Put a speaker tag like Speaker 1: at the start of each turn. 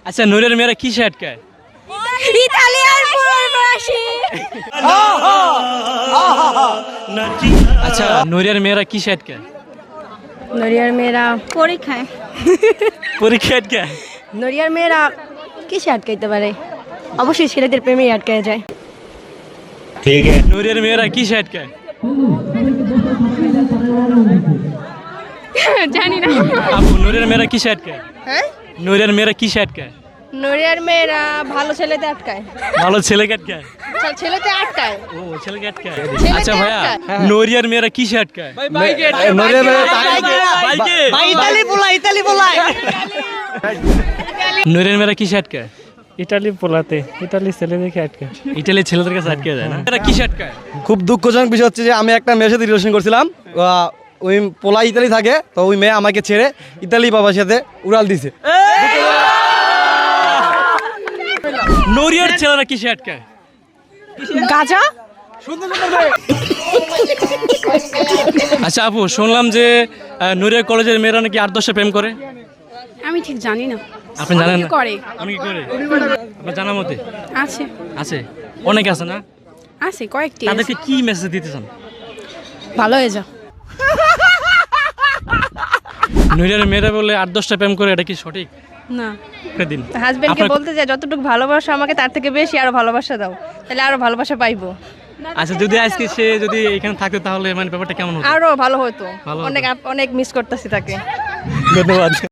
Speaker 1: আচ্ছা নূরের মেয়েরা কিসে আটকায়?
Speaker 2: ইতালিয়ান প্রবাসী।
Speaker 1: আচ্ছা নূরের মেয়েরা কিসে আটকায়?
Speaker 2: নড়িয়ার মেয়েরা পরীক্ষায়।
Speaker 1: পরীক্ষা আটকায়।
Speaker 2: নড়িয়ার মেয়েরা কিসে আটকাইতে পারে? অবশ্যই ছেলেদের প্রেমেই আটকায় যায়।
Speaker 1: নূরের মেয়েরা কিসে আটকায়?
Speaker 2: জানি না।
Speaker 1: আপু নূরের মেয়েরা কিসে আটকায়?
Speaker 2: হ্যাঁ,
Speaker 1: নূরের মেয়েরা কিসে আটকায়?
Speaker 2: নড়িয়ার মেয়েরা ভালো ছেলেতে আটকায়।
Speaker 1: ভালো ছেলেকে আটকায়।
Speaker 2: ছেলেতে আটকায়।
Speaker 1: ও ছেলেকে আটকায়।
Speaker 2: ছেলেকে
Speaker 1: আচ্ছা ভাইয়া
Speaker 2: আটকায়।
Speaker 1: নূরিয়ার মেয়েরা কিসে আটকায়?
Speaker 3: নড়িয়ার মেয়েরা
Speaker 1: বাইকে।
Speaker 3: ইতালি পোলাই
Speaker 1: নূরের মেয়েরা কিসে আটকায়?
Speaker 4: ইটালি পোলাতে, ইটালি ছেলেদেরকে আটকে।
Speaker 1: ইটালির ছেলেদের কাছে আটকে যায় না? এরা কিসে আটকায়?
Speaker 3: খুব দুঃখজনক বিষয় হচ্ছে যে আমি একটা মেয়ের সাথে রিলেশন করছিলাম, ওই পোলা ইতালি থাকে, তো ওই মেয়ে আমাকে ছেড়ে ইতালি বাবার সাথে উড়াল দিছে।
Speaker 1: নূরিয়ার ছেলেরা কিসে আটকায়?
Speaker 2: গাজা।
Speaker 1: আচ্ছা আপু শুনলাম যে নূরিয়া কলেজের মেয়েরা নাকি 8-10 প্রেম করে।
Speaker 2: আমি ঠিক জানি না।
Speaker 1: আপনি জানেন না?
Speaker 2: করে
Speaker 1: অনেকে করে। আপনার জানার মতে
Speaker 2: আছে
Speaker 1: আছে, অনেক আছে না?
Speaker 2: আছে কয়েকটি।
Speaker 1: তাদেরকে কি মেসেজ দিতে চান?
Speaker 2: ভালো হয়ে যাও।
Speaker 1: নূরিয়ার মেয়েরা বলে 8-10টা প্রেম করে, এটা কি সঠিক?
Speaker 2: না,
Speaker 1: একটা দিন
Speaker 2: হাজবেন্ডকে
Speaker 1: আপনার-
Speaker 2: বলতে যায় যতটুকু ভালোবাসা আমাকে তার থেকে বেশি আরো ভালোবাসা দাও, তাহলে আরো ভালোবাসা পাইবো।
Speaker 1: আচ্ছা যদি আজকে সে যদি এখানে থাকতো তাহলে মানে ব্যাপারটা কেমন হতো?
Speaker 2: আরো ভালো হতো।
Speaker 1: ভালো হতো।
Speaker 2: অনেক অনেক মিস করতেছি তাকে।
Speaker 1: ধন্যবাদ।